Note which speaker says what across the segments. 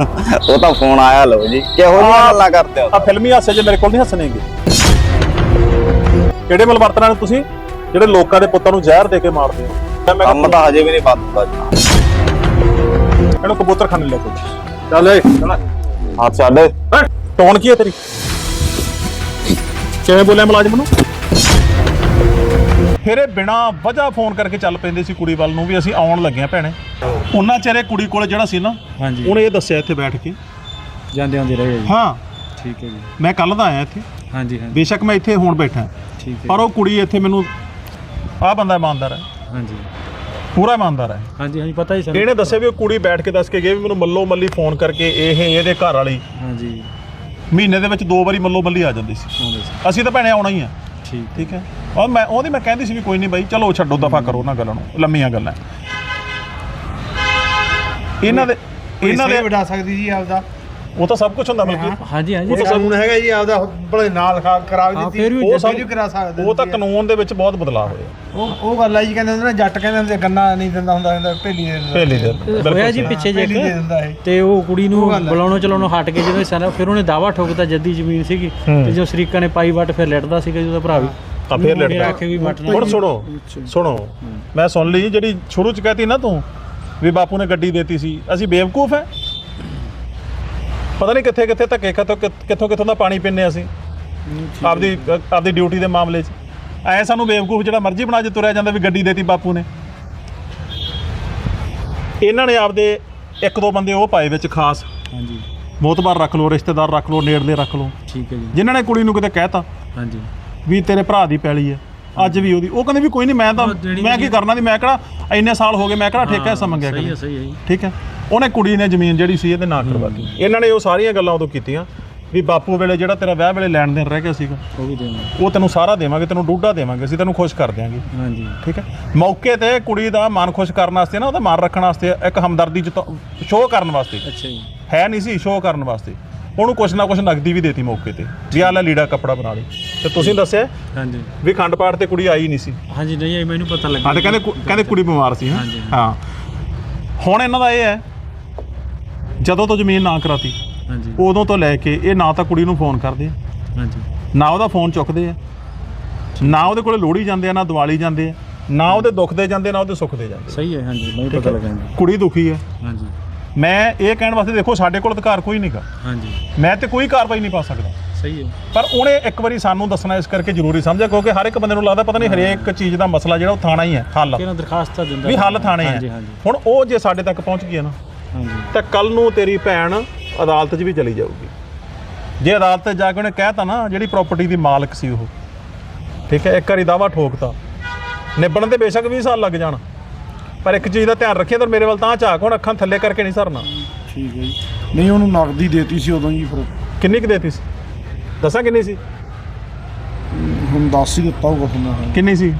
Speaker 1: ਉਹ ਤਾਂ ਫੋਨ ਆਇਆ ਲਓ ਜੀ, ਕਿਹੋ ਜਿਹੀਆਂ ਗੱਲਾਂ ਕਰਦੇ ਹੋ?
Speaker 2: ਆ ਫਿਲਮੀ ਹਾਸੇ ਜੇ ਮੇਰੇ ਕੋਲ ਨਹੀਂ ਹੱਸਣੇਗੇ। ਕਿਹੜੇ ਮਲਵਰਤਨਾਂ ਨੇ ਤੁਸੀਂ ਜਿਹੜੇ ਲੋਕਾਂ ਦੇ ਪੁੱਤਾਂ ਨੂੰ ਜ਼ਹਿਰ ਦੇ ਕੇ ਮਾਰਦੇ ਹੋ?
Speaker 1: ਕੰਮ ਤਾਂ ਹਜੇ ਵੀ ਨਹੀਂ ਬੰਦ ਹੁੰਦਾ ਜੀ।
Speaker 2: ਇਹਨੂੰ ਕਬੂਤਰ ਖਾਣੇ ਲੈ ਕੇ ਚੱਲ ਏ
Speaker 1: ਹੱਥ ਛੱਡ।
Speaker 2: ਟੋਨ ਕੀ ਹੈ ਤੇਰੀ? ਕਿਵੇਂ ਬੋਲਿਆ ਮੁਲਾਜ਼ਮ ਨੂੰ? ਫਿਰ ਇਹ ਬਿਨਾਂ ਵਜ੍ਹਾ ਫੋਨ ਕਰਕੇ ਚੱਲ ਪੈਂਦੇ ਸੀ ਕੁੜੀ ਵੱਲ ਨੂੰ ਵੀ ਅਸੀਂ ਆਉਣ ਲੱਗੇ ਆ ਭੈਣੇ। ਉਹਨਾਂ ਚਿਹਰੇ ਕੁੜੀ ਕੋਲ ਜਿਹੜਾ ਸੀ ਨਾ,
Speaker 3: ਹਾਂਜੀ,
Speaker 2: ਉਹਨੇ ਇਹ ਦੱਸਿਆ ਇੱਥੇ ਬੈਠ ਕੇ
Speaker 3: ਜਾਂਦੇ ਆਉਂਦੇ ਰਹੇ ਜੀ।
Speaker 2: ਹਾਂ
Speaker 3: ਠੀਕ ਹੈ ਜੀ।
Speaker 2: ਮੈਂ ਕੱਲ ਦਾ ਆਇਆ ਇੱਥੇ,
Speaker 3: ਹਾਂਜੀ ਹਾਂਜੀ
Speaker 2: ਬੇਸ਼ੱਕ ਮੈਂ ਇੱਥੇ ਹੁਣ ਬੈਠਾ,
Speaker 3: ਠੀਕ ਹੈ।
Speaker 2: ਪਰ ਉਹ ਕੁੜੀ ਇੱਥੇ ਮੈਨੂੰ ਆਹ ਬੰਦਾ ਇਮਾਨਦਾਰ ਹੈ,
Speaker 3: ਹਾਂਜੀ
Speaker 2: ਪੂਰਾ ਇਮਾਨਦਾਰ ਹੈ।
Speaker 3: ਹਾਂਜੀ ਹਾਂਜੀ ਪਤਾ ਹੀ ਸਾਨੂੰ।
Speaker 2: ਇਹਨੇ ਦੱਸਿਆ ਵੀ ਉਹ ਕੁੜੀ ਬੈਠ ਕੇ ਦੱਸ ਕੇ ਗਈ ਵੀ ਮੈਨੂੰ ਮੱਲੋ ਮੱਲੀ ਫੋਨ ਕਰਕੇ ਇਹਦੇ ਘਰ ਵਾਲੀ
Speaker 3: ਹਾਂਜੀ
Speaker 2: ਮਹੀਨੇ ਦੇ ਵਿੱਚ 2 ਵਾਰੀ ਮੱਲੋ ਮੱਲੀ ਆ ਜਾਂਦੀ ਸੀ।
Speaker 3: ਆਉਂਦੇ ਸੀ।
Speaker 2: ਅਸੀਂ ਤਾਂ ਭੈਣੇ ਆਉਣਾ ਹੀ ਆ।
Speaker 3: ਠੀਕ
Speaker 2: ਹੈ। ਔਰ ਮੈਂ ਕਹਿੰਦੀ ਸੀ ਵੀ ਕੋਈ ਨਹੀਂ ਬਾਈ, ਚਲੋ ਛੱਡੋ, ਦਫਾ ਕਰੋ ਉਹਨਾਂ ਗੱਲਾਂ ਨੂੰ, ਲੰਮੀਆਂ ਗੱਲਾਂ। ਇਹਨਾਂ ਦੇ
Speaker 4: ਵਡਾ ਸਕਦੀ ਜੀ ਆਪਦਾ,
Speaker 2: ਉਹ ਤਾਂ ਸਭ ਕੁਝ ਹੁੰਦਾ ਬਲਕਿ।
Speaker 3: ਹਾਂਜੀ ਹਾਂਜੀ
Speaker 2: ਉਹ ਤਾਂ
Speaker 4: ਕਾਨੂੰਨ ਹੈਗਾ ਜੀ ਆਪਦਾ, ਭਲੇ ਨਾਲ ਕਰਾ ਵੀ ਦਿੱਤੀ,
Speaker 3: ਫਿਰ ਵੀ
Speaker 2: ਉਹ
Speaker 4: ਵੀ ਕਰਾ ਸਕਦੇ।
Speaker 2: ਉਹ ਤਾਂ ਕਾਨੂੰਨ ਦੇ ਵਿੱਚ ਬਹੁਤ ਬਦਲਾਅ ਹੋਏ।
Speaker 4: ਉਹ ਗੱਲ ਆ ਜੀ, ਕਹਿੰਦੇ ਹੁੰਦੇ ਨੇ ਜੱਟ ਕਹਿੰਦੇ ਹੁੰਦੇ ਗੰਨਾ ਨਹੀਂ ਦਿੰਦਾ ਹੁੰਦਾ, ਢੇਲੀ ਦੇ ਦਿੰਦਾ।
Speaker 2: ਪਹਿਲੀ ਦਿਨ
Speaker 3: ਹੋਇਆ ਜੀ ਪਿੱਛੇ ਜੇ
Speaker 4: ਢੇਲੀ ਦੇ ਦਿੰਦਾ ਇਹ।
Speaker 3: ਤੇ ਉਹ ਕੁੜੀ ਨੂੰ ਬੁਲਾਉਣੋਂ ਚਲਾਉਣੋਂ ਹਟ ਕੇ ਜਦੋਂ ਸਾਰਾ, ਫਿਰ ਉਹਨੇ ਦਾਵਾ ਠੋਕਤਾ ਜੱਦੀ ਜ਼ਮੀਨ ਸੀਗੀ, ਤੇ ਜੋ ਸ਼ਰੀਕਾਂ ਨੇ ਪਾਈ ਵੱਟ ਫਿਰ ਲਿਟਦਾ ਸੀਗਾ ਜਿਹਦਾ ਭਰਾ ਵੀ
Speaker 2: ਤਾਂ ਫਿਰ ਲੜਦਾ।
Speaker 3: ਆਖੇ ਵੀ ਵੱਟਣਾ।
Speaker 2: ਹੁਣ ਸੁਣੋ ਮੈਂ ਸੁਣ ਲਈ ਜਿਹੜੀ ਸ਼ੁਰੂ ਚ ਕਹਤੀ ਨਾ ਤੂੰ ਵੀ ਬਾਪੂ ਨੇ ਗੱਡੀ ਦੇਤੀ ਸੀ, ਅਸੀਂ ਬੇਵਕੂਫ ਹੈ? ਪਤਾ ਨਹੀਂ ਕਿੱਥੇ ਕਿੱਥੇ ਧੱਕੇ ਕਿੱਥੋਂ ਦਾ ਪਾਣੀ ਪੀਂਦੇ ਅਸੀਂ ਆਪਦੀ ਡਿਊਟੀ ਦੇ ਮਾਮਲੇ 'ਚ। ਐ ਸਾਨੂੰ ਬੇਵਕੂਫ ਜਿਹੜਾ ਮਰਜ਼ੀ ਬਣਾ ਜੇ ਤੁਰਿਆ ਜਾਂਦਾ ਵੀ ਗੱਡੀ ਦੇਤੀ ਬਾਪੂ ਨੇ। ਇਹਨਾਂ ਨੇ ਆਪਦੇ 1-2 ਬੰਦੇ ਉਹ ਪਾਏ ਵਿੱਚ ਖਾਸ,
Speaker 3: ਹਾਂਜੀ
Speaker 2: ਮੋਤਬਾਰ ਰੱਖ ਲਓ, ਰਿਸ਼ਤੇਦਾਰ ਰੱਖ ਲਓ, ਨੇੜਲੇ ਰੱਖ ਲਓ,
Speaker 3: ਠੀਕ ਹੈ ਜੀ।
Speaker 2: ਜਿਨ੍ਹਾਂ ਨੇ ਕੁੜੀ ਨੂੰ ਕਿਤੇ ਕਹਿਤਾ
Speaker 3: ਹਾਂਜੀ
Speaker 2: ਵੀ ਤੇਰੇ ਭਰਾ ਦੀ ਪੈਲੀ ਹੈ, ਅੱਜ ਵੀ ਉਹਦੀ, ਉਹ ਕਹਿੰਦੇ ਵੀ ਕੋਈ ਨਹੀਂ, ਮੈਂ ਕੀ ਕਰਨਾ ਦੀ, ਮੈਂ ਕਿਹੜਾ ਇੰਨੇ ਸਾਲ ਹੋ ਗਏ, ਮੈਂ ਕਿਹੜਾ ਠੇਕਾ ਹਿੱਸਾ ਮੰਗਿਆ।
Speaker 3: ਸਹੀ ਹੈ ਸਹੀ ਹੈ ਜੀ।
Speaker 2: ਠੀਕ ਹੈ। ਉਹਨੇ ਕੁੜੀ ਨੇ ਜ਼ਮੀਨ ਜਿਹੜੀ ਸੀ ਇਹਦੇ ਨਾਂ ਕਰਵਾਤੀ। ਇਹਨਾਂ ਨੇ ਉਹ ਸਾਰੀਆਂ ਗੱਲਾਂ ਉਦੋਂ ਕੀਤੀਆਂ ਵੀ ਬਾਪੂ ਵੇਲੇ ਜਿਹੜਾ ਤੇਰਾ ਵਿਆਹ ਵੇਲੇ ਲੈਣ ਦੇਣ ਰਹਿ ਗਿਆ ਸੀਗਾ,
Speaker 3: ਉਹ ਵੀ ਦੇਵਾਂਗੇ,
Speaker 2: ਉਹ ਤੈਨੂੰ ਸਾਰਾ ਦੇਵਾਂਗੇ, ਤੈਨੂੰ ਡੂਢਾ ਦੇਵਾਂਗੇ, ਅਸੀਂ ਤੈਨੂੰ ਖੁਸ਼ ਕਰ ਦਿਆਂਗੇ।
Speaker 3: ਹਾਂਜੀ
Speaker 2: ਠੀਕ ਹੈ। ਮੌਕੇ ਤੇ ਕੁੜੀ ਦਾ ਮਨ ਖੁਸ਼ ਕਰਨ ਵਾਸਤੇ ਨਾ, ਉਹਦਾ ਮਨ ਰੱਖਣ ਵਾਸਤੇ, ਇੱਕ ਹਮਦਰਦੀ ਸ਼ੋਅ ਕਰਨ ਵਾਸਤੇ,
Speaker 3: ਅੱਛਾ ਜੀ,
Speaker 2: ਹੈ ਨਹੀਂ ਸੀ ਸ਼ੋਅ ਕਰਨ ਵਾਸਤੇ, ਉਹਨੂੰ ਕੁਛ ਨਾ ਕੁਛ ਨਗਦੀ ਵੀ ਦੇਤੀ ਮੌਕੇ ਤੇ ਵੀ ਆਹ ਲੈ ਲੀੜਾ ਕੱਪੜਾ ਬਣਾ ਲਈ। ਤੇ ਤੁਸੀਂ ਦੱਸਿਆ
Speaker 3: ਹਾਂਜੀ
Speaker 2: ਵੀ ਖੰਡ ਪਾਠ ਤੇ ਕੁੜੀ ਆਈ ਨਹੀਂ ਸੀ।
Speaker 3: ਹਾਂਜੀ ਨਹੀਂ ਆਈ, ਮੈਨੂੰ ਪਤਾ ਲੱਗਾ।
Speaker 2: ਹਾਂ, ਤੇ ਕਹਿੰਦੇ ਕੁੜੀ ਬਿਮਾਰ ਸੀ।
Speaker 3: ਹਾਂਜੀ।
Speaker 2: ਹਾਂ, ਹੁਣ ਇਹਨਾਂ ਦਾ ਇਹ ਹੈ, ਜਦੋਂ ਤੋਂ ਜ਼ਮੀਨ ਨਾ ਕਰਾਤੀ
Speaker 3: ਹਾਂਜੀ
Speaker 2: ਉਦੋਂ ਤੋਂ ਲੈ ਕੇ ਇਹ ਨਾ ਤਾਂ ਕੁੜੀ ਨੂੰ ਫੋਨ ਕਰਦੇ ਆ,
Speaker 3: ਹਾਂਜੀ
Speaker 2: ਨਾ ਉਹਦਾ ਫੋਨ ਚੁੱਕਦੇ ਆ, ਨਾ ਉਹਦੇ ਕੋਲੇ ਲੋਹੜੀ ਜਾਂਦੇ ਆ, ਨਾ ਦੀਵਾਲੀ ਜਾਂਦੇ ਆ, ਨਾ ਉਹਦੇ ਦੁੱਖ ਦੇ ਜਾਂਦੇ, ਨਾ ਉਹਦੇ ਸੁੱਖ ਦੇ ਜਾਂਦੇ।
Speaker 3: ਸਹੀ ਹੈ। ਹਾਂਜੀ ਮੈਨੂੰ ਪਤਾ ਲੱਗਾ ਜੀ।
Speaker 2: ਕੁੜੀ ਦੁਖੀ ਹੈ।
Speaker 3: ਹਾਂਜੀ
Speaker 2: ਮੈਂ ਇਹ ਕਹਿਣ ਵਾਸਤੇ, ਦੇਖੋ ਸਾਡੇ ਕੋਲ ਅਧਿਕਾਰ ਕੋਈ ਨਹੀਂਗਾ,
Speaker 3: ਹਾਂਜੀ
Speaker 2: ਮੈਂ ਤੇ ਕੋਈ ਕਾਰਵਾਈ ਨਹੀਂ ਪਾ ਸਕਦਾ,
Speaker 3: ਸਹੀ ਹੈ।
Speaker 2: ਪਰ ਉਹਨੇ ਇੱਕ ਵਾਰੀ ਸਾਨੂੰ ਦੱਸਣਾ ਇਸ ਕਰਕੇ ਜ਼ਰੂਰੀ ਸਮਝਿਆ, ਕਿਉਂਕਿ ਹਰ ਇੱਕ ਬੰਦੇ ਨੂੰ ਲੱਗਦਾ ਪਤਾ ਨਹੀਂ ਹਰੇਕ ਚੀਜ਼ ਦਾ ਮਸਲਾ ਜਿਹੜਾ ਉਹ ਥਾਣਾ ਹੀ ਹੈ ਹੱਲ,
Speaker 3: ਕਿਹਨਾਂ ਦਰਖਾਸਤਾਂ ਦਿੰਦਾ
Speaker 2: ਵੀ ਹੱਲ ਥਾਣੇ
Speaker 3: ਹਾਂਜੀ
Speaker 2: ਹੈ।
Speaker 3: ਹਾਂਜੀ
Speaker 2: ਹੁਣ ਉਹ ਜੇ ਸਾਡੇ ਤੱਕ ਪਹੁੰਚ ਗਈ ਨਾ,
Speaker 3: ਹਾਂਜੀ
Speaker 2: ਤਾਂ ਕੱਲ ਨੂੰ ਤੇਰੀ ਭੈਣ ਅਦਾਲਤ 'ਚ ਵੀ ਚਲੀ ਜਾਊਗੀ। ਜੇ ਅਦਾਲਤ 'ਚ ਜਾ ਕੇ ਉਹਨੇ ਕਹਿਤਾ ਨਾ, ਜਿਹੜੀ ਪ੍ਰਾਪਰਟੀ ਦੀ ਮਾਲਕ ਸੀ ਉਹ, ਠੀਕ ਹੈ, ਇੱਕ ਵਾਰੀ ਦਾਵਾ ਠੋਕਤਾ, ਨਿਬੜਨ ਤੇ ਬੇਸ਼ੱਕ 20 ਸਾਲ ਲੱਗ ਜਾਣ, ਪਰ ਇੱਕ ਚੀਜ਼ ਦਾ ਧਿਆਨ ਰੱਖਿਆ, ਤਾਂ ਮੇਰੇ ਵੱਲ ਤਾਂ ਝਾਕ, ਹੁਣ ਅੱਖਾਂ ਥੱਲੇ ਕਰਕੇ ਨਹੀਂ ਸਰਨਾ।
Speaker 4: ਠੀਕ ਹੈ ਜੀ। ਨਹੀਂ ਉਹਨੂੰ ਨਗਦੀ ਦੇਤੀ ਸੀ ਉਦੋਂ ਜੀ, ਫਿਰ
Speaker 2: ਕਿੰਨੀ ਕੁ ਦੇਤੀ ਸੀ? ਦੱਸਾਂ ਕਿੰਨੀ ਸੀ?
Speaker 4: ਹੁਣ ਦੱਸ ਹੀ ਦਿੱਤਾ ਹੋਊਗਾ ਤੁਹਾਨੂੰ।
Speaker 2: ਕਿੰਨੀ ਸੀ?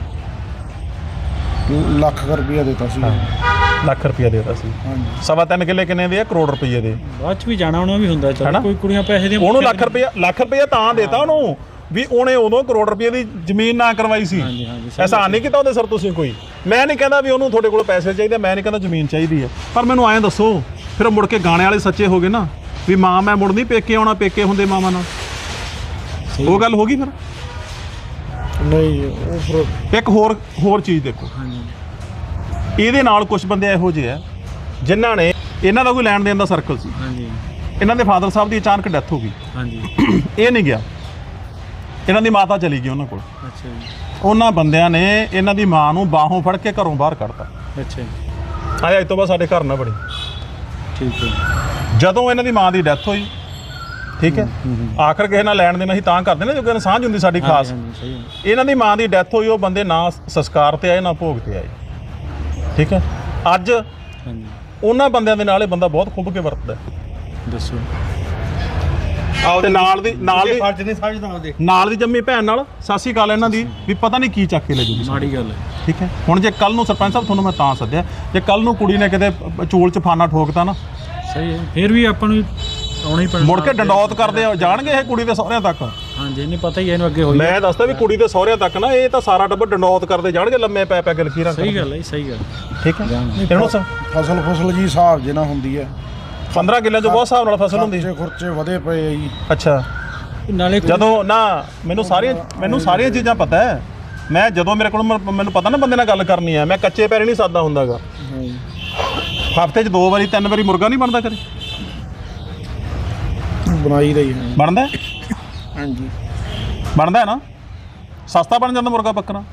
Speaker 4: ਲੱਖ ਰੁਪਇਆ ਦਿੱਤਾ ਸੀ।
Speaker 2: ਲੱਖ ਰੁਪਇਆ ਦੇਤਾ ਸੀ।
Speaker 4: ਹਾਂਜੀ।
Speaker 2: 3.25 ਕਿੱਲੇ ਕਿੰਨੇ ਦੇ ਆ? ਕਰੋੜ ਰੁਪਏ ਦੇ।
Speaker 3: ਬਾਅਦ ਚ ਵੀ ਜਾਣਾ ਆਉਣਾ ਵੀ ਹੁੰਦਾ, ਚਲੋ ਕੋਈ ਕੁੜੀਆਂ ਪੈਸੇ ਦੀਆਂ
Speaker 2: ਉਹਨੂੰ ਲੱਖ ਰੁਪਇਆ ਤਾਂ ਦੇਤਾ ਉਹਨੂੰ ਵੀ ਉਹਨੇ ਉਦੋਂ ਕਰੋੜ ਰੁਪਏ ਦੀ ਜ਼ਮੀਨ ਨਾ ਕਰਵਾਈ ਸੀ।
Speaker 3: ਹਾਂਜੀ ਹਾਂਜੀ
Speaker 2: ਐਹਸਾਨ ਨਹੀਂ ਕੀਤਾ ਉਹਦੇ ਸਰ ਤੁਸੀਂ ਕੋਈ। ਮੈਂ ਨਹੀਂ ਕਹਿੰਦਾ ਵੀ ਉਹਨੂੰ ਤੁਹਾਡੇ ਕੋਲ ਪੈਸੇ ਚਾਹੀਦੇ, ਮੈਂ ਨਹੀਂ ਕਹਿੰਦਾ ਜ਼ਮੀਨ ਚਾਹੀਦੀ ਹੈ, ਪਰ ਮੈਨੂੰ ਐਂ ਦੱਸੋ, ਫਿਰ ਮੁੜ ਕੇ ਗਾਣੇ ਵਾਲੇ ਸੱਚੇ ਹੋ ਗਏ ਨਾ ਵੀ ਮਾਂ ਮੈਂ ਮੁੜ ਨਹੀਂ ਪੇਕੇ ਆਉਣਾ, ਪੇਕੇ ਹੁੰਦੇ ਮਾਵਾਂ ਨਾਲ, ਉਹ ਗੱਲ ਹੋ ਗਈ ਫਿਰ।
Speaker 4: ਨਹੀਂ ਉਹ ਫਿਰ
Speaker 2: ਇੱਕ ਹੋਰ ਚੀਜ਼ ਦੇਖੋ,
Speaker 3: ਹਾਂਜੀ
Speaker 2: ਇਹਦੇ ਨਾਲ ਕੁਝ ਬੰਦੇ ਇਹੋ ਜਿਹੇ ਆ ਜਿਨ੍ਹਾਂ ਨੇ, ਇਹਨਾਂ ਦਾ ਕੋਈ ਲੈਣ ਦੇਣ ਦਾ ਸਰਕਲ ਸੀ,
Speaker 3: ਹਾਂਜੀ
Speaker 2: ਇਹਨਾਂ ਦੇ ਫਾਦਰ ਸਾਹਿਬ ਦੀ ਅਚਾਨਕ ਡੈਥ ਹੋ ਗਈ,
Speaker 3: ਹਾਂਜੀ
Speaker 2: ਇਹ ਨਹੀਂ ਗਿਆ, ਇਹਨਾਂ ਦੀ ਮਾਤਾ ਚਲੀ ਗਈ ਉਹਨਾਂ ਕੋਲ।
Speaker 3: ਅੱਛਾ ਜੀ,
Speaker 2: ਉਹਨਾਂ ਬੰਦਿਆਂ ਨੇ ਇਹਨਾਂ ਦੀ ਮਾਂ ਨੂੰ ਬਾਹੋਂ ਫੜ ਕੇ ਘਰੋਂ ਬਾਹਰ ਕੱਢਤਾ।
Speaker 3: ਅੱਛਾ ਜੀ,
Speaker 2: ਆਏ ਅੱਜ ਤੋਂ ਬਾਅਦ ਸਾਡੇ ਘਰ ਨਾ ਬੜੀ।
Speaker 3: ਠੀਕ ਹੈ।
Speaker 2: ਜਦੋਂ ਇਹਨਾਂ ਦੀ ਮਾਂ ਦੀ ਡੈਥ ਹੋਈ, ਠੀਕ ਹੈ, ਆਖਰ ਕਿਸੇ ਨਾਲ ਲੈਣ ਦੇਣਾ ਸੀ ਤਾਂ ਕਰਦੇ ਨੇ, ਜੋ ਕਿ ਸਾਂਝ ਹੁੰਦੀ ਸਾਡੀ ਖਾਸ।
Speaker 3: ਹਾਂਜੀ ਸਹੀ ਹੈ।
Speaker 2: ਇਹਨਾਂ ਦੀ ਮਾਂ ਦੀ ਡੈਥ ਹੋਈ, ਉਹ ਬੰਦੇ ਨਾ ਸੰਸਕਾਰ ਤੇ ਆਏ ਨਾ ਭੋਗ ਤੇ ਆਏ, ਠੀਕ ਹੈ। ਅੱਜ
Speaker 3: ਹਾਂਜੀ
Speaker 2: ਉਹਨਾਂ ਬੰਦਿਆਂ ਦੇ ਨਾਲ ਇਹ ਬੰਦਾ ਬਹੁਤ ਖੁੱਭ ਕੇ ਵਰਤਦਾ,
Speaker 3: ਦੱਸੋ।
Speaker 2: ਤੇ ਨਾਲ ਦੀ
Speaker 4: ਫਰਜ਼ ਨਹੀਂ ਸਮਝਦਾ ਉਹਦੇ।
Speaker 2: ਨਾਲ ਦੀ ਜੰਮੀ ਭੈਣ ਨਾਲ ਸਾਸੀ ਕਾਲ ਇਹਨਾਂ ਦੀ ਵੀ ਪਤਾ ਨਹੀਂ ਕੀ ਚੱਕ ਕੇ ਲੈ ਜੂਗੀ।
Speaker 3: ਮਾੜੀ ਗੱਲ ਹੈ।
Speaker 2: ਠੀਕ ਹੈ। ਹੁਣ ਜੇ ਕੱਲ ਨੂੰ ਸਰਪੰਚ ਸਾਹਿਬ ਤੁਹਾਨੂੰ ਮੈਂ ਤਾਂ ਸੱਦਿਆ, ਜੇ ਕੱਲ ਨੂੰ ਕੁੜੀ ਨੇ ਕਿਤੇ ਚੂਲ ਚ ਫਾਨਾ ਠੋਕਤਾ ਨਾ,
Speaker 3: ਸਹੀ ਹੈ, ਫਿਰ ਵੀ ਆਪਾਂ ਨੂੰ ਆਉਣਾ ਹੀ ਪੈਣਾ।
Speaker 2: ਮੁੜ ਕੇ ਡੰਡੌਤ ਕਰਦੇ ਜਾਣਗੇ ਇਹ ਕੁੜੀ ਦੇ ਸਹੁਰਿਆਂ ਤੱਕ।
Speaker 3: ਹਾਂਜੀ ਇਹਨੂੰ ਪਤਾ ਹੀ ਹੈ, ਇਹਨੂੰ ਅੱਗੇ ਹੋਈ।
Speaker 2: ਮੈਂ ਦੱਸਦਾ ਵੀ ਕੁੜੀ ਦੇ ਸਹੁਰਿਆਂ ਤੱਕ ਨਾ ਇਹ ਤਾਂ ਸਾਰਾ ਟੱਬਰ ਡੰਡੌਤ ਕਰਦੇ ਜਾਣਗੇ, ਲੰਮੇ ਪੈ ਪੈ ਕੇ ਲਕੀਰਾਂ।
Speaker 3: ਸਹੀ ਗੱਲ ਹੈ, ਸਹੀ ਗੱਲ।
Speaker 2: ਠੀਕ ਹੈ। ਇਹਨੂੰ
Speaker 4: ਫਸਲ ਜੀ ਹਿਸਾਬ ਜੇ ਨਾ ਹੁੰਦੀ ਹੈ,
Speaker 2: 15 ਕਿੱਲਿਆਂ 'ਚ ਬਹੁਤ ਹਿਸਾਬ ਨਾਲ ਫਸਲ ਹੁੰਦੀ।
Speaker 4: ਖਰਚੇ ਵਧੇ ਪਏ ਆ ਜੀ।
Speaker 2: ਅੱਛਾ,
Speaker 3: ਨਾਲੇ
Speaker 2: ਜਦੋਂ ਨਾ ਮੈਨੂੰ ਸਾਰੀਆਂ ਚੀਜ਼ਾਂ ਪਤਾ ਹੈ। ਮੈਂ ਜਦੋਂ ਮੇਰੇ ਕੋਲ ਮੈਨੂੰ ਪਤਾ ਨਾ ਬੰਦੇ ਨਾਲ ਗੱਲ ਕਰਨੀ ਹੈ, ਮੈਂ ਕੱਚੇ ਪੈਰ ਨਹੀਂ ਸਾਦਾ ਹੁੰਦਾਗਾ। ਹਫ਼ਤੇ 'ਚ 2 ਵਾਰੀ 3 ਵਾਰੀ ਮੁਰਗਾ ਨਹੀਂ ਬਣਦਾ ਕਦੇ?
Speaker 4: ਬਣਾਈ ਰਹੀ ਹੈ।
Speaker 2: ਬਣਦਾ?
Speaker 4: ਹਾਂਜੀ
Speaker 2: ਬਣਦਾ ਹੈ ਨਾ। ਸਸਤਾ ਬਣ ਜਾਂਦਾ ਮੁਰਗਾ ਬੱਕਰਾ।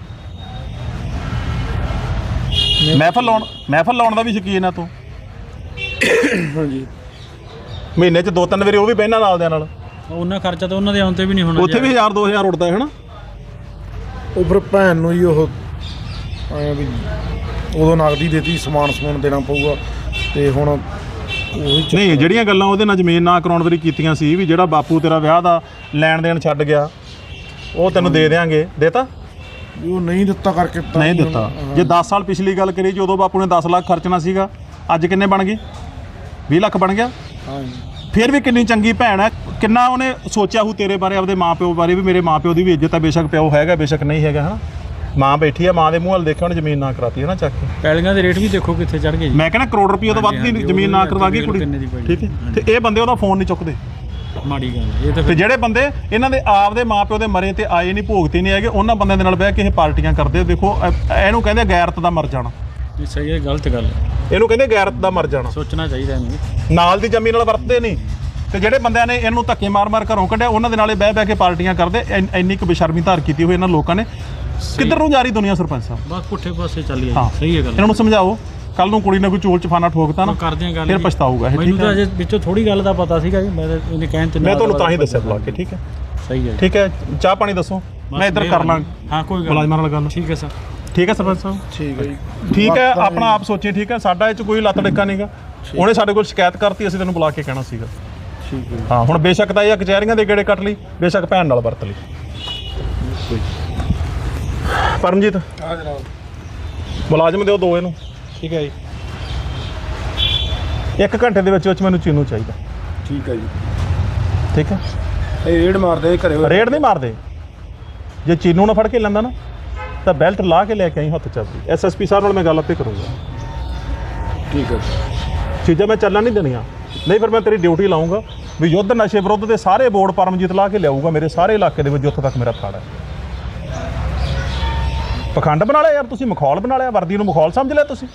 Speaker 2: ਮਹਿਫਲ ਲਾਉਣ ਦਾ ਵੀ ਸ਼ੌਕੀਨ ਆ ਤੂੰ?
Speaker 4: ਹਾਂਜੀ
Speaker 2: ਮਹੀਨੇ 'ਚ 2-3 ਵਾਰੀ ਉਹ ਵੀ ਬਹਿਣਾ ਨਾਲ ਦਿਆਂ ਨਾਲ।
Speaker 3: ਉਹਨਾਂ ਖਰਚਾ ਤਾਂ ਉਹਨਾਂ ਦੇ ਆਉਣ ਤੇ ਵੀ ਨਹੀਂ ਹੋਣਾ।
Speaker 2: ਉੱਥੇ ਵੀ 1000-2000 ਉੱਡਦਾ ਹੈ ਨਾ।
Speaker 4: ਉਹ ਫਿਰ ਭੈਣ ਨੂੰ ਜੀ ਉਹ ਐਂ ਵੀ ਉਦੋਂ ਨਗਦੀ ਦੇਤੀ, ਸਮਾਨ ਦੇਣਾ ਪਊਗਾ ਤੇ ਹੁਣ ਉਹੀ
Speaker 2: ਨਹੀਂ, ਜਿਹੜੀਆਂ ਗੱਲਾਂ ਉਹਦੇ ਨਾਲ ਜ਼ਮੀਨ ਨਾ ਕਰਾਉਣ ਵਾਰੀ ਕੀਤੀਆਂ ਸੀ ਵੀ ਜਿਹੜਾ ਬਾਪੂ ਤੇਰਾ ਵਿਆਹ ਦਾ ਲੈਣ ਦੇਣ ਛੱਡ ਗਿਆ ਉਹ ਤੈਨੂੰ ਦੇ ਦੇਾਂਗੇ, ਦੇਤਾ?
Speaker 4: ਉਹ ਨਹੀਂ ਦਿੱਤਾ ਕਰਕੇ
Speaker 2: ਨਹੀਂ ਦਿੱਤਾ। ਜੇ 10 ਸਾਲ ਪਿਛਲੀ ਗੱਲ ਕਰੀ, ਜਦੋਂ ਬਾਪੂ ਨੇ 10 ਲੱਖ ਖਰਚਣਾ ਸੀਗਾ, ਅੱਜ ਕਿੰਨੇ ਬਣ ਗਏ? 20 ਲੱਖ ਬਣ ਗਿਆ।
Speaker 4: ਹਾਂਜੀ
Speaker 2: ਫਿਰ ਵੀ ਕਿੰਨੀ ਚੰਗੀ ਭੈਣ ਹੈ, ਕਿੰਨਾ ਉਹਨੇ ਸੋਚਿਆ ਹੋਊ ਤੇਰੇ ਬਾਰੇ, ਆਪਦੇ ਮਾਂ-ਪਿਓ ਬਾਰੇ ਵੀ। ਮੇਰੇ ਮਾਂ-ਪਿਓ ਦੀ ਵੀ ਇੱਜ਼ਤ ਹੈ, ਬੇਸ਼ੱਕ ਪਿਓ ਹੈਗਾ ਬੇਸ਼ੱਕ ਨਹੀਂ ਹੈਗਾ, ਹਨਾ। ਮਾਂ ਬੈਠੀ ਆ, ਮਾਂ ਦੇ ਮੂੰਹ ਵੱਲ ਦੇਖਿਆ ਉਹਨੇ, ਜ਼ਮੀਨ ਨਾ ਕਰਾਤੀ ਹੈ ਨਾ ਚੱਕ ਕੇ।
Speaker 3: ਪੈਲੀਆਂ ਦੇ ਰੇਟ ਵੀ ਦੇਖੋ ਕਿੱਥੇ ਚੜ ਗਏ।
Speaker 2: ਮੈਂ ਕਹਿੰਦਾ ਕਰੋੜ ਰੁਪਏ ਤੋਂ ਵੱਧ ਦੀ ਜ਼ਮੀਨ ਨਾ ਕਰਵਾ ਗਈ ਕੁੜੀ, ਠੀਕ ਹੈ। ਤੇ ਇਹ ਬੰਦੇ ਉਹਦਾ ਫੋਨ ਨਹੀਂ ਚੁੱਕਦੇ।
Speaker 3: ਮਾੜੀ ਗੱਲ ਇਹ ਤਾਂ।
Speaker 2: ਤੇ ਜਿਹੜੇ ਬੰਦੇ ਇਹਨਾਂ ਦੇ ਆਪਦੇ ਮਾਪਿਓ ਦੇ ਮਰੇ ਤੇ ਆਏ ਨਹੀਂ, ਭੋਗਤੇ ਨਹੀਂ ਹੈਗੇ, ਉਹਨਾਂ ਬੰਦਿਆਂ ਦੇ ਨਾਲ ਬਹਿ ਕੇ ਇਹ ਪਾਰਟੀਆਂ ਕਰਦੇ। ਦੇਖੋ ਇਹਨੂੰ ਕਹਿੰਦੇ ਗੈਰਤ ਦਾ ਮਰ ਜਾਣਾ।
Speaker 3: ਸਹੀ ਹੈ, ਗਲਤ ਗੱਲ ਹੈ।
Speaker 2: ਇਹਨੂੰ ਕਹਿੰਦੇ ਗੈਰਤ ਦਾ ਮਰ ਜਾਣਾ।
Speaker 3: ਸੋਚਣਾ ਚਾਹੀਦਾ ਇਹਨੂੰ।
Speaker 2: ਨਾਲ ਦੀ ਜ਼ਮੀਨ ਨਾਲ ਵਰਤਦੇ ਨਹੀਂ। ਤੇ ਜਿਹੜੇ ਬੰਦਿਆਂ ਨੇ ਇਹਨੂੰ ਧੱਕੇ ਮਾਰ-ਮਾਰ ਘਰੋਂ ਕੱਢਿਆ, ਉਹਨਾਂ ਦੇ ਨਾਲੇ ਬਹਿ ਕੇ ਪਾਰਟੀਆਂ ਕਰਦੇ। ਇੰਨੀ ਕੁ ਬੇਸ਼ਰਮੀ ਧਾਰ ਕੀਤੀ ਹੋਈ ਇਹਨਾਂ ਲੋਕਾਂ ਨੇ। ਕਿੱਧਰ ਨੂੰ ਜਾ ਰਹੀ ਦੁਨੀਆ ਸਰਪੰਚ ਸਾਹਿਬ?
Speaker 3: ਬਸ ਪੁੱਠੇ ਪਾਸੇ ਚੱਲੀ
Speaker 2: ਹਾਂ,
Speaker 3: ਸਹੀ ਹੈ ਗੱਲ।
Speaker 2: ਇਹਨਾਂ ਨੂੰ ਸਮਝਾਓ, ਕੱਲ ਨੂੰ ਕੁੜੀ ਨੇ ਕੋਈ ਚੋਲ ਚਫਾਨਾ ਠੋਕਤਾ ਨਾ,
Speaker 3: ਕਰਦੇ ਆ ਗੱਲ,
Speaker 2: ਫਿਰ ਪਛਤਾਊਗਾ ਇਹ।
Speaker 3: ਮੈਨੂੰ ਤਾਂ ਅਜੇ ਵਿੱਚੋਂ ਥੋੜੀ ਗੱਲ ਦਾ ਪਤਾ ਸੀਗਾ ਜੀ। ਮੈਂ ਤਾਂ ਇਹਨੇ ਕਹਿਣ ਤੇ
Speaker 2: ਮੈਂ ਤੁਹਾਨੂੰ ਤਾਂ ਹੀ ਦੱਸਿਆ ਬੁਲਾ ਕੇ, ਠੀਕ ਹੈ।
Speaker 3: ਸਹੀ ਹੈ,
Speaker 2: ਠੀਕ ਹੈ। ਚਾਹ ਪਾਣੀ ਦੱਸੋ, ਮੈਂ ਇੱਧਰ ਕਰ ਲਾਂ।
Speaker 3: ਹਾਂ ਕੋਈ ਗੱਲ
Speaker 2: ਮੁਲਾਜ਼ਮਾਂ ਨਾਲ ਗੱਲ।
Speaker 3: ਠੀਕ ਹੈ ਸਰ।
Speaker 2: ਠੀਕ ਹੈ ਸਰਪੰਚ ਸਾਹਿਬ,
Speaker 4: ਠੀਕ ਹੈ ਜੀ।
Speaker 2: ਠੀਕ ਹੈ। ਆਪਣਾ ਆਪ ਸੋਚੀਏ, ਠੀਕ ਹੈ। ਸਾਡਾ ਇਹ 'ਚ ਕੋਈ ਲੱਤ ਡਿੱਕਾ ਨਹੀਂਗਾ। ਉਹਨੇ ਸਾਡੇ ਕੋਲ ਸ਼ਿਕਾਇਤ ਕਰਤੀ, ਅਸੀਂ ਤੈਨੂੰ ਬੁਲਾ ਕੇ ਕਹਿਣਾ ਸੀਗਾ।
Speaker 4: ਠੀਕ ਹੈ।
Speaker 2: ਹਾਂ, ਹੁਣ ਬੇਸ਼ੱਕ ਤਾਂ ਇਹ ਕਚਹਿਰੀਆਂ ਦੇ ਗੇੜੇ ਕੱਟ ਲਈ, ਬੇਸ਼ੱਕ ਭੈਣ ਨਾਲ ਵਰਤ ਲਈ। ਪਰਮਜੀਤ,
Speaker 4: ਹਾਂ ਜਨਾਬ।
Speaker 2: ਮੁਲਾਜ਼ਮ ਦਿਓ 2 ਇਹਨੂੰ।
Speaker 4: ਠੀਕ ਹੈ ਜੀ।
Speaker 2: 1 ਘੰਟੇ ਦੇ ਵਿੱਚ ਮੈਨੂੰ ਚੀਨੂ ਚਾਹੀਦਾ।
Speaker 4: ਠੀਕ ਹੈ ਜੀ।
Speaker 2: ਠੀਕ ਹੈ।
Speaker 4: ਇਹ ਰੇਡ ਮਾਰਦੇ ਘਰੇ।
Speaker 2: ਰੇਡ ਨਹੀਂ ਮਾਰਦੇ। ਜੇ ਚੀਨੂ ਨਾ ਫੜ ਕੇ ਲੈਂਦਾ ਨਾ ਤਾਂ ਬੈਲਟ ਲਾ ਕੇ ਲੈ ਕੇ ਆਈ ਹੱਥ ਚੱਲਦੀ। ਐਸਐਸਪੀ ਸਾਹਿਬ ਨਾਲ ਮੈਂ ਗੱਲ ਆਪੇ ਕਰੂੰਗਾ।
Speaker 4: ਠੀਕ ਹੈ।
Speaker 2: ਚੀਜ਼ਾਂ ਮੈਂ ਚੱਲਣ ਨਹੀਂ ਦੇਣੀਆਂ, ਨਹੀਂ ਫਿਰ ਮੈਂ ਤੇਰੀ ਡਿਊਟੀ ਲਾਉਂਗਾ ਵੀ ਯੁੱਧ ਨਸ਼ੇ ਵਿਰੁੱਧ ਦੇ ਸਾਰੇ ਬੋਰਡ ਪਰਮਜੀਤ ਲਾ ਕੇ ਲਿਆਊਗਾ ਮੇਰੇ ਸਾਰੇ ਇਲਾਕੇ ਦੇ ਵਿੱਚ, ਜਿੱਥੋਂ ਤੱਕ ਮੇਰਾ ਫੜ ਹੈ। ਪਖੰਡ ਬਣਾ ਲਿਆ ਯਾਰ ਤੁਸੀਂ, ਮਖੌਲ ਬਣਾ ਲਿਆ। ਵਰਦੀ ਨੂੰ ਮਖੌਲ ਸਮਝ ਲਿਆ ਤੁਸੀਂ।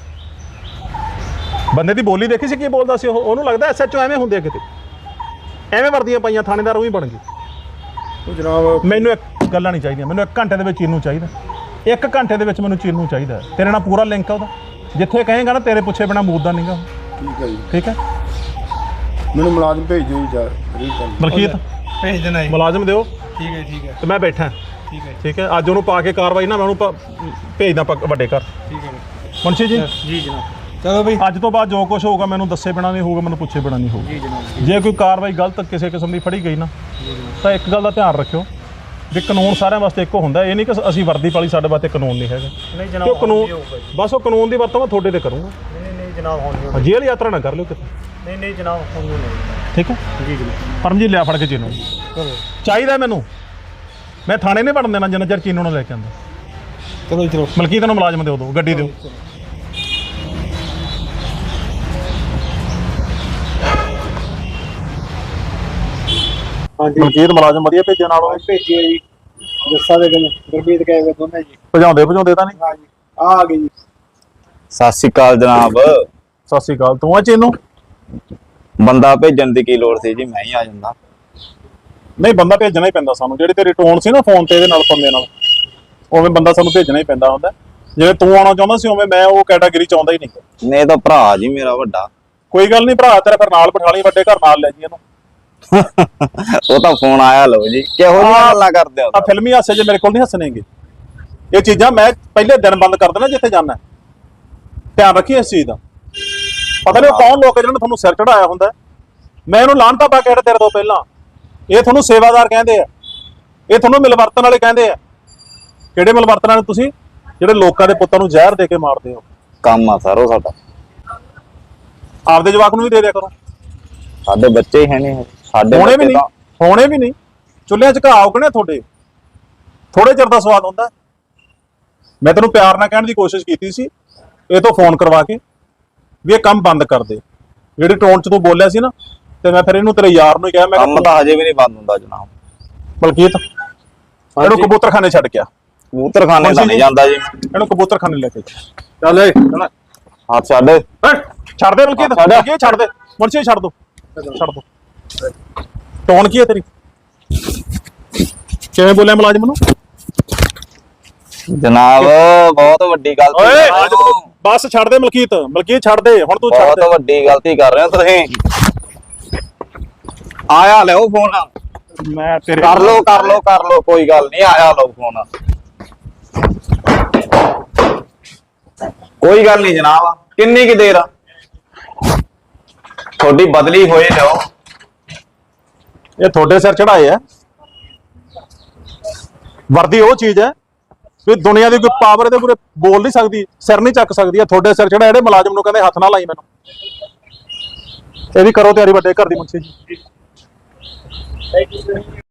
Speaker 2: ਬੰਦੇ ਦੀ ਬੋਲੀ ਦੇਖੀ ਸੀ ਕੀ ਬੋਲਦਾ ਸੀ ਉਹ? ਉਹਨੂੰ ਲੱਗਦਾ ਐਸਐਚਓ ਐਵੇਂ ਹੁੰਦੇ ਆ ਕਿਤੇ, ਐਵੇਂ ਵਰਦੀਆਂ ਪਾਈਆਂ ਥਾਣੇਦਾਰ ਉਹੀ ਬਣ ਗਏ।
Speaker 4: ਉਹ ਜਨਾਬ
Speaker 2: ਮੈਨੂੰ ਇੱਕ ਗੱਲਾਂ ਨਹੀਂ ਚਾਹੀਦੀਆਂ, ਮੈਨੂੰ 1 ਘੰਟੇ ਦੇ ਵਿੱਚ ਚੀਨੂ ਚਾਹੀਦਾ। 1 ਘੰਟੇ ਦੇ ਵਿੱਚ ਮੈਨੂੰ ਚੀਨੂ ਚਾਹੀਦਾ। ਤੇਰੇ ਨਾਲ ਪੂਰਾ ਲਿੰਕ ਆ ਉਹਦਾ, ਜਿੱਥੇ ਕਹੇਗਾ ਨਾ ਤੇਰੇ ਪੁੱਛੇ ਬਿਨਾ ਮੂਦਦਾ ਨਹੀਂਗਾ।
Speaker 4: ਠੀਕ ਹੈ ਜੀ।
Speaker 2: ਠੀਕ ਹੈ।
Speaker 4: ਮੈਨੂੰ ਮੁਲਾਜ਼ਮ ਭੇਜ ਦਿਓ ਜੀ ਯਾਰ।
Speaker 2: ਮਲਕੀਤ
Speaker 4: ਭੇਜ ਦੇਣਾ ਜੀ।
Speaker 2: ਮੁਲਾਜ਼ਮ ਦਿਓ।
Speaker 4: ਠੀਕ ਹੈ। ਠੀਕ ਹੈ।
Speaker 2: ਤੇ ਮੈਂ ਬੈਠਾ।
Speaker 4: ਠੀਕ ਹੈ।
Speaker 2: ਠੀਕ ਹੈ। ਅੱਜ ਉਹਨੂੰ ਪਾ ਕੇ ਕਾਰਵਾਈ ਨਾ ਮੈਂ ਉਹਨੂੰ ਭੇਜਦਾ ਵੱਡੇ ਘਰ।
Speaker 4: ਠੀਕ ਹੈ
Speaker 2: ਮੁਨਸ਼ੀ ਜੀ।
Speaker 3: ਜੀ ਜਨਾਬ।
Speaker 4: ਚਲੋ ਬਈ।
Speaker 2: ਅੱਜ ਤੋਂ ਬਾਅਦ ਜੋ ਕੁਝ ਹੋਊਗਾ ਮੈਨੂੰ ਦੱਸੇ ਬਿਨਾ ਨਹੀਂ ਹੋਊਗਾ, ਮੈਨੂੰ ਪੁੱਛੇ ਬਿਨਾ ਨਹੀਂ ਹੋਊਗਾ।
Speaker 3: ਜੀ ਜਨਾਬ।
Speaker 2: ਜੇ ਕੋਈ ਕਾਰਵਾਈ ਗਲਤ ਕਿਸੇ ਕਿਸਮ ਦੀ ਫੜੀ ਗਈ ਨਾ ਤਾਂ ਇੱਕ ਗੱਲ ਦਾ ਧਿਆਨ ਰੱਖਿਓ ਵੀ ਕਾਨੂੰਨ ਸਾਰਿਆਂ ਵਾਸਤੇ ਇੱਕੋ ਹੁੰਦਾ। ਇਹ ਨਹੀਂ ਕਿ ਅਸੀਂ ਵਰਦੀ ਪਾਲੀ ਸਾਡੇ ਵਾਸਤੇ ਕਾਨੂੰਨ ਨਹੀਂ ਹੈਗਾ।
Speaker 3: ਨਹੀਂ
Speaker 2: ਕਿਉਂ
Speaker 3: ਜਨਾਬ।
Speaker 2: ਕਾਨੂੰਨ ਬਸ ਉਹ ਕਾਨੂੰਨ ਦੀ ਵਰਤੋਂ ਮੈਂ ਤੁਹਾਡੇ ਤੇ ਕਰੂੰਗਾ।
Speaker 3: ਨਹੀਂ ਜਨਾਬ ਹੋਣੀ।
Speaker 2: ਜੇਲ੍ਹ ਯਾਤਰਾ ਨਾ ਕਰ ਲਿਓ ਕਿਤੇ।
Speaker 3: ਨਹੀਂ ਜਨਾਬ ਹੋਣੀ ਨਹੀਂ।
Speaker 2: ਠੀਕ ਹੈ।
Speaker 3: ਜੀ ਜਨਾਬ।
Speaker 2: ਪਰਮਜੀਤ ਲਿਆ ਫੜ ਕੇ ਚੀਨੂ ਚਾਹੀਦਾ ਮੈਨੂੰ। ਮੈਂ ਥਾਣੇ ਨਹੀਂ ਵੜਨ ਦੇਣਾ ਜਿੰਨਾ ਚਿਰ ਚੀਨੂ ਨੂੰ ਲੈ ਕੇ ਆਉਂਦਾ।
Speaker 4: ਚਲੋ ਚਲੋ।
Speaker 2: ਮਲਕੀਤ ਨੂੰ ਮੁਲਾਜ਼ਮ ਦਿਓ, ਗੱਡੀ ਦਿਓ।
Speaker 4: ਹਾਂਜੀ
Speaker 2: ਮਲਕੀਤ ਮੁਲਾਜ਼ਮ ਵਧੀਆ ਭੇਜਿਆ ਨਾਲ ਉਹ
Speaker 4: ਭੇਜਿਆ ਜੀ। ਜੱਸਾ ਦੇ ਗੁਰਮੀਤ ਕਹੇ ਵੇ ਦੋਨੇ ਜੀ।
Speaker 2: ਭਜਾਉਂਦੇ ਤਾਂ ਨਹੀਂ?
Speaker 4: ਹਾਂਜੀ ਆ ਗਏ ਜੀ।
Speaker 1: ਸਤਿ ਸ਼੍ਰੀ ਅਕਾਲ ਜਨਾਬ।
Speaker 2: ਸਤਿ ਸ਼੍ਰੀ ਅਕਾਲ। ਤੂੰ ਆ ਚੀਨੂ?
Speaker 1: ਬੰਦਾ ਭੇਜਣ ਦੀ ਕੀ ਲੋੜ ਸੀ ਜੀ, ਮੈਂ ਹੀ ਆ ਜਾਂਦਾ।
Speaker 2: ਨਹੀਂ, ਬੰਦਾ ਭੇਜਣਾ ਹੀ ਪੈਂਦਾ ਸਾਨੂੰ। ਜਿਹੜੀ ਤੇਰੀ ਟੋਨ ਸੀ ਨਾ ਫੋਨ ਤੇ ਇਹਦੇ ਨਾਲ ਪੰਦੇ ਨਾਲ, ਉਵੇਂ ਬੰਦਾ ਸਾਨੂੰ ਭੇਜਣਾ ਹੀ ਪੈਂਦਾ ਹੁੰਦਾ। ਜਿਵੇਂ ਤੂੰ ਆਉਣਾ ਚਾਹੁੰਦਾ ਸੀ ਉਵੇਂ ਮੈਂ ਉਹ ਕੈਟਾਗਰੀ ਚਾਹੁੰਦਾ ਹੀ ਨਹੀਂ।
Speaker 1: ਨਹੀਂ ਤਾਂ ਭਰਾ ਜੀ ਮੇਰਾ ਵੱਡਾ।
Speaker 2: ਕੋਈ ਗੱਲ ਨਹੀਂ, ਭਰਾ ਤੇਰਾ ਫਿਰ ਨਾਲ ਬਿਠਾ ਲਈ, ਵੱਡੇ ਘਰ ਨਾਲ ਲੈ ਜੀ ਇਹਨੂੰ।
Speaker 1: ਉਹ ਤਾਂ ਫੋਨ ਆਇਆ ਲਓ ਜੀ। ਕਿਹੋ ਜਿਹੀਆਂ ਗੱਲਾਂ ਕਰਦੇ ਹੋ?
Speaker 2: ਆ ਫਿਲਮੀ ਹਾਸੇ ਜੇ ਮੇਰੇ ਕੋਲ ਨਹੀਂ ਹੱਸਣੇਗੇ। ਇਹ ਚੀਜ਼ਾਂ ਮੈਂ ਪਹਿਲੇ ਦਿਨ ਬੰਦ ਕਰ ਦੇਣਾ ਜਿੱਥੇ ਜਾਣਾ। ਧਿਆਨ ਰੱਖੀ ਇਸ ਚੀਜ਼ ਦਾ। ਪਤਾ ਨਹੀਂ ਉਹ ਕੌਣ ਲੋਕ ਜਿਹਨਾਂ ਨੇ ਤੁਹਾਨੂੰ ਸਿਰ ਚੜਾਇਆ ਹੁੰਦਾ। ਮੈਂ ਇਹਨੂੰ ਲਾਹਨਤਾ ਪਾ ਕੇ ਤੇਰੇ ਤੋਂ ਪਹਿਲਾਂ। ਇਹ ਤੁਹਾਨੂੰ ਸੇਵਾਦਾਰ ਕਹਿੰਦੇ ਆ, ਇਹ ਤੁਹਾਨੂੰ ਮਿਲਵਰਤਨ ਵਾਲੇ ਕਹਿੰਦੇ ਆ। ਕਿਹੜੇ ਮਿਲਵਰਤਨ ਵਾਲੇ ਤੁਸੀਂ? ਜਿਹੜੇ ਲੋਕਾਂ ਦੇ ਪੁੱਤਾਂ ਨੂੰ ਜ਼ਹਿਰ ਦੇ ਕੇ ਮਾਰਦੇ ਹੋ।
Speaker 1: ਕੰਮ ਆ ਸਰ ਉਹ ਸਾਡਾ।
Speaker 2: ਆਪਦੇ ਜਵਾਕ ਨੂੰ ਵੀ ਦੇ ਦਿਆ ਕਰੋ।
Speaker 1: ਸਾਡੇ ਬੱਚੇ ਹੀ ਹੈ ਨਹੀਂ। ਸਾਡੇ
Speaker 2: ਹੋਣੇ ਵੀ
Speaker 1: ਬੱਚੇ
Speaker 2: ਨਹੀਂ,
Speaker 1: ਤਾਂ
Speaker 2: ਹੋਣੇ ਵੀ ਨਹੀਂ। ਚੁੱਲ੍ਹਿਆਂ 'ਚ ਘਾਹ ਉਗਣੇ ਤੁਹਾਡੇ। ਥੋੜੇ ਚਿਰ ਦਾ ਸਵਾਦ ਹੁੰਦਾ। ਮੈਂ ਤੈਨੂੰ ਪਿਆਰ ਨਾਲ ਕਹਿਣ ਦੀ ਕੋਸ਼ਿਸ਼ ਕੀਤੀ ਸੀ ਇਹ ਤੋਂ ਫੋਨ ਕਰਵਾ ਕੇ ਵੀ ਇਹ ਕੰਮ ਬੰਦ ਕਰ ਦੇ, ਜਿਹੜੀ ਟੋਨ ਚ ਤੂੰ ਬੋਲਿਆ ਸੀ ਨਾ, ਤੇ ਮੈਂ ਫਿਰ ਇਹਨੂੰ ਤੇਰੇ ਯਾਰ ਨੂੰ ਹੀ ਕਿਹਾ, ਮੈਂ
Speaker 1: ਕੰਮ
Speaker 2: ਕਿਹਾ
Speaker 1: ਤਾਂ ਹਜੇ ਵੀ ਨਹੀਂ ਬੰਦ ਹੁੰਦਾ ਜਨਾਬ।
Speaker 2: ਬਲਕੀਤ ਇਹਨੂੰ ਕਬੂਤਰਖਾਨੇ ਛੱਡ ਗਿਆ,
Speaker 1: ਕਬੂਤਰਖਾਨੇ ਤਾਂ ਨਹੀਂ ਜਾਂਦਾ ਜੀ।
Speaker 2: ਇਹਨੂੰ ਕਬੂਤਰਖਾਨੇ ਲੈ ਕੇ
Speaker 1: ਚੱਲ ਏ ਹੱਥ ਛੱਡ।
Speaker 2: ਛੱਡ ਦੇ ਬਲਕੀਤ, ਬਲਕੀਤ ਛੱਡ ਦੇ, ਮੁਰਸ਼ੀ ਛੱਡ ਦੋ, ਛੱਡ ਦੋ। ਟੋਨ ਕੀ ਹੈ ਤੇਰੀ? ਕਿਵੇਂ ਬੋਲਿਆ ਮੁਲਾਜ਼ਮ ਨੂੰ?
Speaker 1: ਜਨਾਬ ਬਹੁਤ ਵੱਡੀ ਗਲਤੀ
Speaker 2: ਓਏ
Speaker 1: ਕਰ ਰਹੇ ਹੋ।
Speaker 2: ਬਸ ਛੱਡ ਦੇ ਮਲਕੀਤ, ਮਲਕੀਤ ਛੱਡ ਦੇ ਹੁਣ, ਤੂੰ ਛੱਡ
Speaker 1: ਬਹੁਤ
Speaker 2: ਦੇ।
Speaker 1: ਵੱਡੀ ਗਲਤੀ ਕਰ ਰਹੇ ਹੋ ਤੁਸੀਂ। ਆਇਆ ਲਿਓ ਫੋਨ,
Speaker 2: ਮੈਂ ਤੇਰੇ
Speaker 1: ਕਰ ਲੋ ਕੋਈ ਗੱਲ ਨਹੀਂ, ਆਇਆ ਲਓ ਫੋਨ। ਕੋਈ ਗੱਲ ਨਹੀਂ ਜਨਾਬ, ਕਿੰਨੀ ਕੀ ਦੇਰ ਤੁਹਾਡੀ ਬਦਲੀ ਹੋਏ ਲਿਓ।
Speaker 2: ਇਹ ਤੁਹਾਡੇ ਸਿਰ ਚੜਾਏ ਆ। ਵਰਦੀ ਉਹ ਚੀਜ਼ ਹੈ ਵੀ ਦੁਨੀਆ ਦੀ ਕੋਈ ਪਾਵਰ ਇਹਦੇ ਪੂਰੇ ਬੋਲ ਨਹੀਂ ਸਕਦੀ, ਸਿਰ ਨਹੀਂ ਚੱਕ ਸਕਦੀ। ਤੁਹਾਡੇ ਸਿਰ ਚੜਾ ਜਿਹੜੇ ਮੁਲਾਜ਼ਮ ਨੂੰ ਕਹਿੰਦੇ ਹੱਥ ਨਾ ਲਾਈ ਮੈਨੂੰ। ਇਹ ਵੀ ਕਰੋ ਤਿਆਰੀ ਵੱਡੇ ਘਰ ਦੀ ਮੁੰਸ਼ੀ ਜੀ।